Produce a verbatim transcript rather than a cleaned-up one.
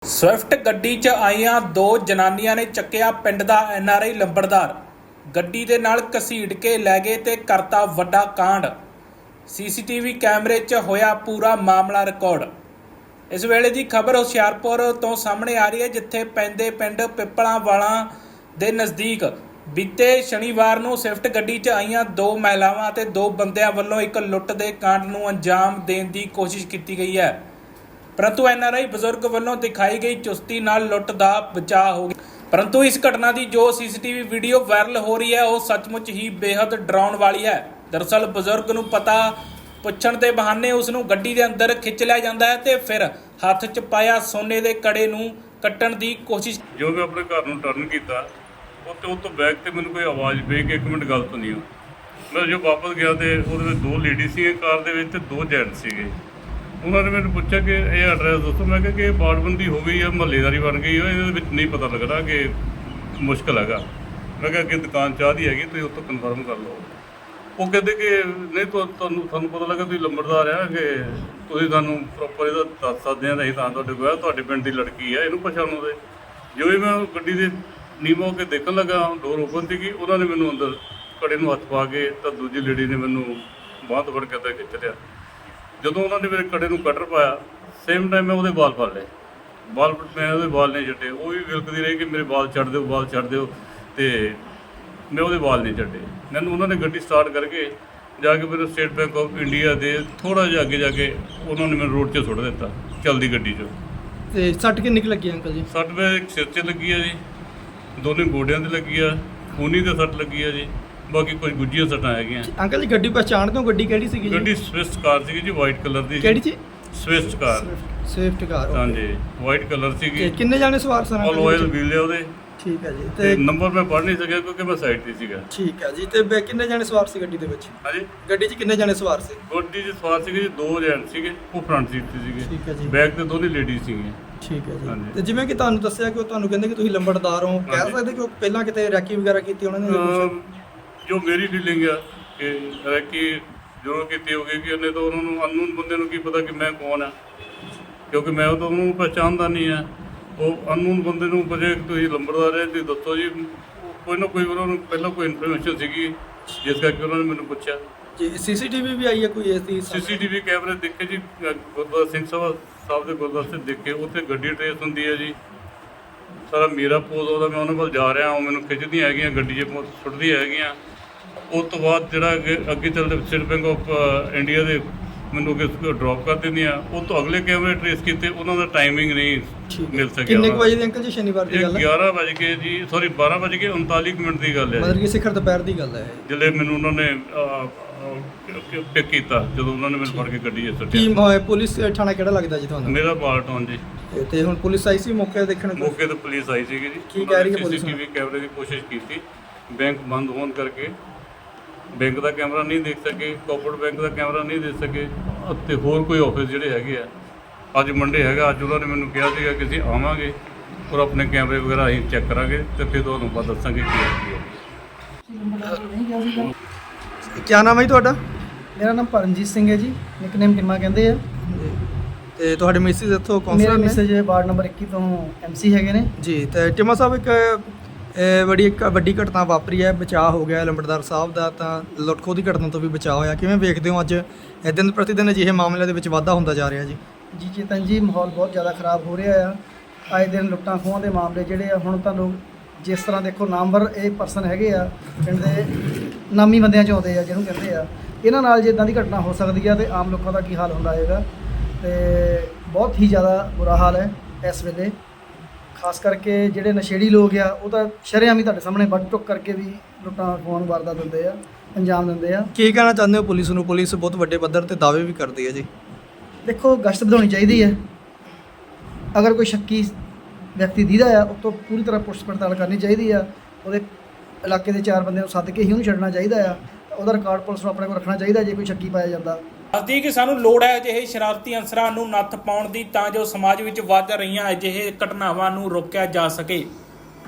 Swift ਗੱਡੀ 'ਚ ਆਈਆਂ ਦੋ ਜਨਾਨੀਆਂ ਨੇ ਚੱਕਿਆ ਪਿੰਡ ਦਾ ਐਨ ਆਰ ਆਈ ਲੰਬੜਦਾਰ। ਗੱਡੀ ਦੇ ਨਾਲ ਘਸੀਟ ਕੇ ਲੈ ਗਏ ਤੇ ਕਰਤਾ ਵੱਡਾ ਕਾਂਡ। ਸੀ ਸੀ ਟੀ ਵੀ ਕੈਮਰੇ 'ਚ ਹੋਇਆ ਪੂਰਾ ਮਾਮਲਾ ਰਿਕਾਰਡ। ਇਸ ਵੇਲੇ ਦੀ ਖਬਰ ਹੁਸ਼ਿਆਰਪੁਰ ਤੋਂ ਸਾਹਮਣੇ ਆ ਰਹੀ ਹੈ, ਜਿੱਥੇ ਪੈਂਦੇ ਪਿੰਡ ਪਿੱਪਲਾਂਵਾਲਾ ਦੇ ਨਜ਼ਦੀਕ ਬੀਤੇ ਸ਼ਨੀਵਾਰ ਨੂੰ ਸਵਿਫਟ ਗੱਡੀ 'ਚ ਆਈਆਂ ਦੋ ਮਹਿਲਾਵਾਂ ਅਤੇ ਦੋ ਬੰਦਿਆਂ ਵੱਲੋਂ ਇੱਕ ਲੁੱਟ ਦੇ ਕਾਂਡ ਨੂੰ ਅੰਜਾਮ ਦੇਣ ਦੀ ਕੋਸ਼ਿਸ਼ ਕੀਤੀ ਗਈ ਹੈ, परंतु एन आर आई बजुर्ग वालों दिखाई गई चुस्ती नाल लुट दा बचाव हो गया। परंतु इस घटना की जो C C T V video viral हो रही है वह सचमुच ही बेहद डराउण वाली है। दरअसल बजुर्ग नूं पता पुछण के बहाने उसनूं गड्डी के अंदर खिंच लिया जाता है तो फिर हथ च पाया सोने के कड़े नूं कट्टण की कोशिश। जो मैं अपने घर नूं टर्न किया उत्ते उस तो बैक ते मैनूं कोई आवाज़ पे कि एक मिनट गलत नहीं हो। मैं जो वापस गया तो उहदे विच दो लेडी सी कार दे विच ते दो जेंट्स सीगे। उन्होंने मैंने पूछा कि ये एड्रैस दसो। मैं कहा कि बाड़बंदी हो गई है, महल्लेदारी बन गई है, ये नहीं पता लगना कि मुश्किल है। मैं कहा कि दुकान चाह दी हैगी, तुम उत्तों कन्फर्म कर लो। वो कहते कि नहीं तो थानू पता लगा तुम लंबड़दार है कि तुम सानू प्रॉपर ये दस सकते हैं नहीं तो कोई तुहाडे पिंड की लड़की है, इनू पछाणो दे। जो ही मैं गड्डी के नीम हो के देखने लगा, डोर ओपन थी, उन्होंने मैनू अंदर कड़े नूं हथ पा के तो दूजी लेडी ने मैनू बांह तो फड़ के अंदर खिंच लिया। ਜਦੋਂ ਉਹਨਾਂ ਨੇ ਮੇਰੇ ਕੜੇ ਨੂੰ ਕਟਰ ਪਾਇਆ, ਸੇਮ ਟਾਈਮ ਮੈਂ ਉਹਦੇ ਵਾਲ ਫੜ ਲਏ। ਵਾਲ ਮੈਂ ਉਹਦੇ ਵਾਲ ਨਹੀਂ ਛੱਡੇ। ਉਹ ਵੀ ਵਿਲਕਦੀ ਰਹੀ ਕਿ ਮੇਰੇ ਵਾਲ ਛੱਡ ਦਿਓ, ਵਾਲ ਛੱਡ ਦਿਓ, ਅਤੇ ਮੈਂ ਉਹਦੇ ਵਾਲ ਨਹੀਂ ਛੱਡੇ। ਮੈਨੂੰ ਉਹਨਾਂ ਨੇ ਗੱਡੀ ਸਟਾਰਟ ਕਰਕੇ ਜਾ ਕੇ ਮੈਨੂੰ ਸਟੇਟ ਬੈਂਕ ਆਫ ਇੰਡੀਆ ਦੇ ਥੋੜ੍ਹਾ ਜਿਹਾ ਅੱਗੇ ਜਾ ਕੇ ਉਹਨਾਂ ਨੇ ਮੈਨੂੰ ਰੋਡ 'ਚ ਸੁੱਟ ਦਿੱਤਾ ਚੱਲਦੀ ਗੱਡੀ 'ਚੋਂ। ਅਤੇ ਸੱਟ ਕਿੰਨੀ ਕੁ ਲੱਗੀ ਅੰਕਲ ਜੀ? ਸੱਟ ਮੇਰੇ ਇੱਕ ਸਿਰ 'ਚ ਲੱਗੀ ਆ ਜੀ, ਦੋਨੇ ਗੋਡਿਆਂ 'ਤੇ ਲੱਗੀ ਆ, ਖੂਨੀ 'ਤੇ ਸੱਟ ਲੱਗੀ ਆ ਜੀ, ਬਾਕੀ ਕੁਝ ਗੁੱਝੀਆਂ ਸੱਟਾਂ ਹੈਗੀਆਂ। ਅੰਕਲ ਜੀ ਗੱਡੀ ਪਛਾਣਦੇ ਹੋ? ਗੱਡੀ ਕਿਹੜੀ ਸੀਗੀ? ਗੱਡੀ ਸਵਿਫਟ ਕਾਰ ਸੀਗੀ ਜੀ, ਵਾਈਟ ਕਲਰ ਦੀ। ਕਿਹੜੀ ਜੀ? Swift car. ਸਵਿਫਟ ਕਾਰ, ਹਾਂਜੀ, ਵਾਈਟ ਕਲਰ ਸੀਗੀ। ਤੇ ਕਿੰਨੇ ਜਾਣੇ ਸਵਾਰ ਸਨ? ਆਲ ਆਇਲ ਵੀਲ ਆ ਉਹਦੇ। ਠੀਕ ਹੈ ਜੀ। ਤੇ ਨੰਬਰ ਮੈਂ ਪੜ੍ਹ ਨਹੀਂ ਸਕਿਆ ਕਿਉਂਕਿ ਮੈਂ ਸਾਈਡ ਤੇ ਸੀਗਾ। ਠੀਕ ਹੈ ਜੀ। ਤੇ ਬੇ ਕਿੰਨੇ ਜਾਣੇ ਸਵਾਰ ਸੀ ਗੱਡੀ ਦੇ ਵਿੱਚ? ਹਾਂਜੀ, ਗੱਡੀ 'ਚ ਕਿੰਨੇ ਜਾਣੇ ਸਵਾਰ ਸੀ? ਗੱਡੀ 'ਚ ਸਵਾਰ ਸੀਗੇ ਜੀ ਦੋ ਜੈਂਟ ਸੀਗੇ, ਉਹ ਫਰੰਟ ਸੀਟ ਤੇ ਸੀਗੇ। ਠੀਕ ਹੈ ਜੀ। ਬੈਕ ਤੇ ਦੋਨੇ ਲੇਡੀਜ਼ ਸੀਗੀਆਂ। ਠੀਕ ਹੈ ਜੀ। ਤੇ ਜਿਵੇਂ ਕਿ ਤੁਹਾਨੂੰ ਦੱਸਿਆ ਕਿ ਉਹ ਤੁਹਾਨੂੰ ਕਹਿੰਦੇ ਕਿ ਤੁਸੀਂ ਲੰਬੜਦਾਰ ਹੋ, ਕਹਿ ਸਕਦੇ ਕਿ ਉਹ ਪਹਿਲਾਂ ਕਿਤੇ ਰੈਕੀ ਵਗੈਰਾ ਕੀਤੀ ਉਹਨਾਂ ਨੇ? ਜੋ ਮੇਰੀ ਫੀਲਿੰਗ ਆ ਕਿ ਰੈਕੀ ਜ਼ਰੂਰ ਕੀਤੀ ਹੋਗੀ ਕਿ ਉਹਨੇ ਤਾਂ ਉਹਨਾਂ ਨੂੰ ਅਨਨੋਨ ਬੰਦੇ ਨੂੰ ਕੀ ਪਤਾ ਕਿ ਮੈਂ ਕੌਣ ਆ, ਕਿਉਂਕਿ ਮੈਂ ਉਹ ਤਾਂ ਉਹਨੂੰ ਪਹਿਚਾਣਦਾ ਨਹੀਂ ਆ। ਉਹ ਅਨਨੋਨ ਬੰਦੇ ਨੂੰ ਪੁੱਛੇ ਤੁਸੀਂ ਲੰਬੜਦਾਰ ਹੈ, ਤੁਸੀਂ ਦੱਸੋ ਜੀ। ਕੋਈ ਨਾ ਕੋਈ ਉਹਨਾਂ ਨੂੰ ਪਹਿਲਾਂ ਕੋਈ ਇਨਫੋਰਮੇਸ਼ਨ ਸੀਗੀ ਜਿਸ ਕਰਕੇ ਉਹਨਾਂ ਨੇ ਮੈਨੂੰ ਪੁੱਛਿਆ ਜੀ। ਸੀ ਸੀ ਟੀ ਵੀ ਵੀ ਆਈ ਹੈ ਕੋਈ ਇਸ ਦੀ? ਸੀ ਸੀ ਟੀ ਵੀ ਕੈਮਰੇ ਦੇਖੇ ਜੀ, ਗੁਰਦੁਆਰਾ ਸਿੰਘ ਸਭਾ ਸਾਹਿਬ ਦੇ ਗੁਰਦੁਆਰੇ 'ਤੇ ਦੇਖੇ, ਉੱਥੇ ਗੱਡੀ ਟਰੇਸ ਹੁੰਦੀ ਹੈ ਜੀ। ਸਾਰਾ ਮੇਰਾ ਪੋਜ਼ ਉਹਦਾ, ਮੈਂ ਉਹਨਾਂ ਕੋਲ ਜਾ ਰਿਹਾ, ਉਹ ਮੈਨੂੰ ਖਿੱਚਦੀਆਂ ਹੈਗੀਆਂ, ਗੱਡੀ 'ਚ ਸੁੱਟਦੀਆਂ ਹੈਗੀਆਂ। ਉਸ ਤੋਂ ਬਾਅਦ ਜਿਹੜਾ ਅੱਗੇ ਅੱਗੇ ਚੱਲਦੇ ਸਟੇਟ ਬੈਂਕ ਆਫ ਇੰਡੀਆ ਦੇ ਮੈਨੂੰ ਅੱਗੇ ਡਰੋਪ ਕਰ ਦਿੰਦੀਆਂ। ਉਹ ਤੋਂ ਅਗਲੇ ਕੈਮਰੇ ਟਰੇਸ ਕੀਤੇ, ਉਹਨਾਂ ਦਾ ਟਾਈਮਿੰਗ ਨਹੀਂ ਮਿਲ ਸਕਿਆ। ਕਿੰਨੇ ਕੁ ਵਜੇ ਦੀ ਅੰਕਲ ਜੀ ਸ਼ਨੀਵਾਰ ਦੀ ਗੱਲ ਹੈ? ਗਿਆਰਾਂ ਵੱਜ ਕੇ ਜੀ, ਸੌਰੀ ਬਾਰਾਂ ਵੱਜ ਕੇ ਉਨਤਾਲੀ ਮਿੰਟ ਦੀ ਗੱਲ ਹੈ। ਮਤਲਬ ਕਿ ਸਿਖਰ ਦੁਪਹਿਰ ਦੀ ਗੱਲ ਹੈ ਜਿਹੜੇ ਮੈਨੂੰ ਉਹਨਾਂ ਨੇ ਪਿਕ ਕੀਤਾ, ਜਦੋਂ ਉਹਨਾਂ ਨੇ ਮੈਨੂੰ ਫੜ ਕੇ ਗੱਡੀ 'ਚ ਸੁੱਟਿਆ। ਕੀ ਪੁਲਿਸ ਥਾਣਾ ਕਿਹੜਾ ਲੱਗਦਾ ਜੀ ਤੁਹਾਨੂੰ? ਮੇਰਾ ਬਾਲਟਾਊਨ ਜੀ। ਤੇ ਹੁਣ ਪੁਲਿਸ ਆਈ ਸੀ ਮੌਕੇ ਦੇਖਣ? ਮੌਕੇ ਤੇ ਪੁਲਿਸ ਆਈ ਸੀਗੀ ਜੀ। ਕੀ ਕਹਿ ਰਹੀ ਹੈ ਪੁਲਿਸ? ਸੀ ਸੀ ਟੀ ਵੀ ਕੈਮਰੇ ਦੀ ਕੋਸ਼ਿਸ਼ ਕੀਤੀ, ਬੈਂਕ ਬੰਦ ਹੋਣ ਕਰਕੇ ਬੈਂਕ ਦਾ ਕੈਮਰਾ ਨਹੀਂ ਦੇਖ ਸਕੇ, ਕੋਆਪਰੇਟਿਵ ਬੈਂਕ ਦਾ ਕੈਮਰਾ ਨਹੀਂ ਦੇਖ ਸਕੇ, ਅਤੇ ਹੋਰ ਕੋਈ ਆਫਿਸ ਜਿਹੜੇ ਹੈਗੇ ਆ। ਅੱਜ ਮੰਡੇ ਹੈਗਾ, ਅੱਜ ਉਹਨਾਂ ਨੇ ਮੈਨੂੰ ਕਿਹਾ ਸੀਗਾ ਕਿ ਅਸੀਂ ਆਵਾਂਗੇ ਔਰ ਆਪਣੇ ਕੈਮਰੇ ਵਗੈਰਾ ਅਸੀਂ ਚੈੱਕ ਕਰਾਂਗੇ ਅਤੇ ਫਿਰ ਤੁਹਾਨੂੰ ਬਾਅਦ ਦੱਸਾਂਗੇ ਕੀ ਹੈ। ਕੀ ਨਾਮ ਹੈ ਜੀ ਤੁਹਾਡਾ? ਮੇਰਾ ਨਾਮ ਪਰਮਜੀਤ ਸਿੰਘ ਹੈ ਜੀ, ਨਿਕਨੇਮ ਟਿਮਾ ਕਹਿੰਦੇ ਆ। ਤੇ ਤੁਹਾਡੇ ਮਿਸਿਸ ਇੱਥੋਂ ਮੇਰੇ ਕੌਂਸਲਰ ਨੇ? ਮੈਸੇਜ ਵਾਰਡ ਨੰਬਰ ਇੱਕੀ ਤੋਂ ਐਮ ਸੀ ਹੈਗੇ ਨੇ ਜੀ। ਤੇ ਟਿਮਾ ਸਾਹਿਬ, ਇੱਕ ਇਹ ਬੜੀ ਇੱਕ ਵੱਡੀ ਘਟਨਾ ਵਾਪਰੀ ਹੈ, ਬਚਾਅ ਹੋ ਗਿਆ ਲੰਬੜਦਾਰ ਸਾਹਿਬ ਦਾ, ਤਾਂ ਲੁੱਟ ਖੋਹ ਦੀ ਘਟਨਾ ਤੋਂ ਵੀ ਬਚਾਅ ਹੋਇਆ। ਕਿਵੇਂ ਵੇਖਦੇ ਹੋ ਅੱਜ ਦਿਨ ਪ੍ਰਤੀ ਦਿਨ ਅਜਿਹੇ ਮਾਮਲਿਆਂ ਦੇ ਵਿੱਚ ਵਾਧਾ ਹੁੰਦਾ ਜਾ ਰਿਹਾ ਜੀ? ਜੀ ਚੇਤਨ ਜੀ, ਮਾਹੌਲ ਬਹੁਤ ਜ਼ਿਆਦਾ ਖਰਾਬ ਹੋ ਰਿਹਾ ਆ। ਆਏ ਦਿਨ ਲੁੱਟਾਂ ਖੋਹਾਂ ਦੇ ਮਾਮਲੇ ਜਿਹੜੇ ਆ, ਹੁਣ ਤਾਂ ਲੋਕ ਜਿਸ ਤਰ੍ਹਾਂ ਦੇਖੋ ਨਾਮਵਰ ਇਹ ਪਰਸਨ ਹੈਗੇ ਆ, ਪਿੰਡ ਦੇ ਨਾਮੀ ਬੰਦਿਆਂ 'ਚ ਆਉਂਦੇ ਆ ਜਿਹਨੂੰ ਕਹਿੰਦੇ ਆ, ਇਹਨਾਂ ਨਾਲ ਜੇ ਇੱਦਾਂ ਦੀ ਘਟਨਾ ਹੋ ਸਕਦੀ ਆ ਤੇ ਆਮ ਲੋਕਾਂ ਦਾ ਕੀ ਹਾਲ ਹੁੰਦਾ ਹੋਏਗਾ। ਤੇ ਬਹੁਤ ਹੀ ਜ਼ਿਆਦਾ ਬੁਰਾ ਹਾਲ ਹੈ ਇਸ ਵੇਲੇ। ਖਾਸ ਕਰਕੇ ਜਿਹੜੇ ਨਸ਼ੇੜੀ ਲੋਕ ਆ, ਉਹ ਤਾਂ ਸ਼ਰੇਆਮ ਹੀ ਤੁਹਾਡੇ ਸਾਹਮਣੇ ਵੱਢ ਟੁੱਕ ਕਰਕੇ ਵੀ ਲੁੱਟਾਂ ਖੋਹਾਂ ਨੂੰ ਵਾਰਦਾਤ ਦਿੰਦੇ ਆ, ਅੰਜਾਮ ਦਿੰਦੇ ਆ। ਕੀ ਕਹਿਣਾ ਚਾਹੁੰਦੇ ਹੋ ਪੁਲਿਸ ਨੂੰ? ਪੁਲਿਸ ਬਹੁਤ ਵੱਡੇ ਪੱਧਰ ਤੇ ਦਾਅਵੇ ਵੀ ਕਰਦੀ ਹੈ ਜੀ। ਦੇਖੋ, ਗਸ਼ਤ ਵਧਾਉਣੀ ਚਾਹੀਦੀ ਹੈ। ਅਗਰ ਕੋਈ ਸ਼ੱਕੀ ਵਿਅਕਤੀ ਦੀਦਾ ਆ, ਉਹ ਤੋਂ ਪੂਰੀ ਤਰ੍ਹਾਂ ਪੁੱਛ ਪੜਤਾਲ ਕਰਨੀ ਚਾਹੀਦੀ ਆ। ਉਹਦੇ ਇਲਾਕੇ ਦੇ ਚਾਰ ਬੰਦਿਆਂ ਨੂੰ ਸੱਦ ਕੇ ਹੀ ਉਹਨੂੰ ਛੱਡਣਾ ਚਾਹੀਦਾ ਆ। ਉਹਦਾ ਰਿਕਾਰਡ ਪੁਲਿਸ ਨੂੰ ਆਪਣੇ ਕੋਲ ਰੱਖਣਾ ਚਾਹੀਦਾ ਜੇ ਕੋਈ ਸ਼ੱਕੀ ਪਾਇਆ ਜਾਂਦਾ। ਦੱਸਦੀ ਕਿ ਸਾਨੂੰ ਲੋੜ ਹੈ ਅਜਿਹੇ ਸ਼ਰਾਰਤੀ ਅਨਸਰਾਂ ਨੂੰ ਨੱਥ ਪਾਉਣ ਦੀ, ਤਾਂ ਜੋ ਸਮਾਜ ਵਿੱਚ ਵੱਧ ਰਹੀਆਂ ਅਜਿਹੇ ਘਟਨਾਵਾਂ ਨੂੰ ਰੋਕਿਆ ਜਾ ਸਕੇ।